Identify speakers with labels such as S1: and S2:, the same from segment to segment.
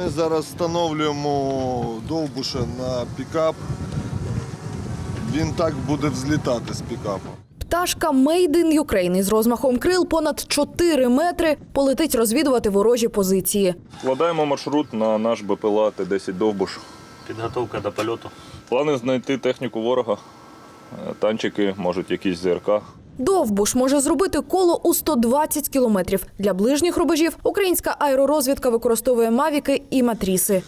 S1: Ми зараз встановлюємо довбуша на пікап. Він так буде взлітати з пікапа.
S2: Пташка Made in Ukraine із розмахом крил понад 4 метри полетить розвідувати ворожі позиції.
S3: Вкладаємо маршрут на наш БПЛА Т-10 «Довбуш».
S4: Підготовка до польоту.
S3: Плани знайти техніку ворога, танчики, можуть якісь ЗРК.
S2: Довбуш може зробити коло у 120 кілометрів. Для ближніх рубежів українська аеророзвідка використовує мавіки і матріси.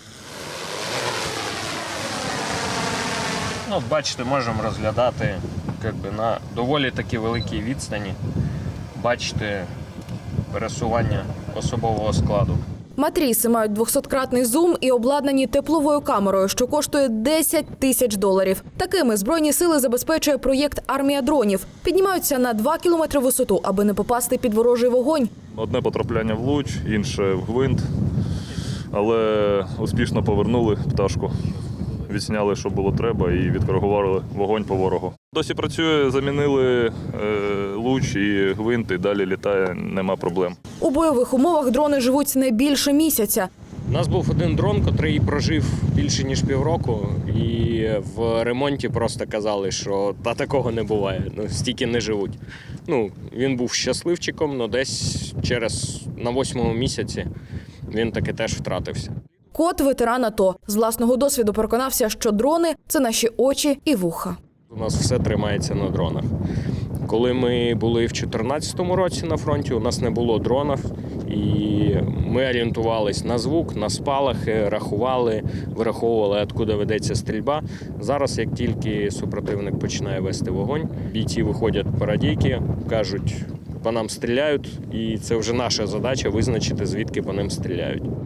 S4: Бачите, можемо розглядати на доволі таки великій відстані. Бачите пересування особового складу.
S2: Матріси мають 200-кратний зум і обладнані тепловою камерою, що коштує $10 тисяч. Такими Збройні сили забезпечує проєкт «Армія дронів». Піднімаються на 2 кілометри висоту, аби не попасти під ворожий вогонь.
S3: Одне потрапляння в луч, інше в гвинт, але успішно повернули пташку. Відсняли, що було треба, і відкоригували вогонь по ворогу. Досі працює, замінили луч і гвинт, і далі літає, нема проблем.
S2: У бойових умовах дрони живуть не більше місяця.
S4: У нас був один дрон, який прожив більше ніж півроку, і в ремонті просто казали, що такого не буває, стільки не живуть. Він був щасливчиком, але десь на 8-му місяці він таки теж втратився.
S2: Кот – ветеран АТО. З власного досвіду переконався, що дрони – це наші очі і вуха.
S4: У нас все тримається на дронах. Коли ми були в 2014 році на фронті, у нас не було дронів, і ми орієнтувалися на звук, на спалахи, рахували, вираховували, откуда ведеться стрільба. Зараз, як тільки супротивник починає вести вогонь, бійці виходять по радійки, кажуть, по нам стріляють, і це вже наша задача визначити, звідки по ним стріляють.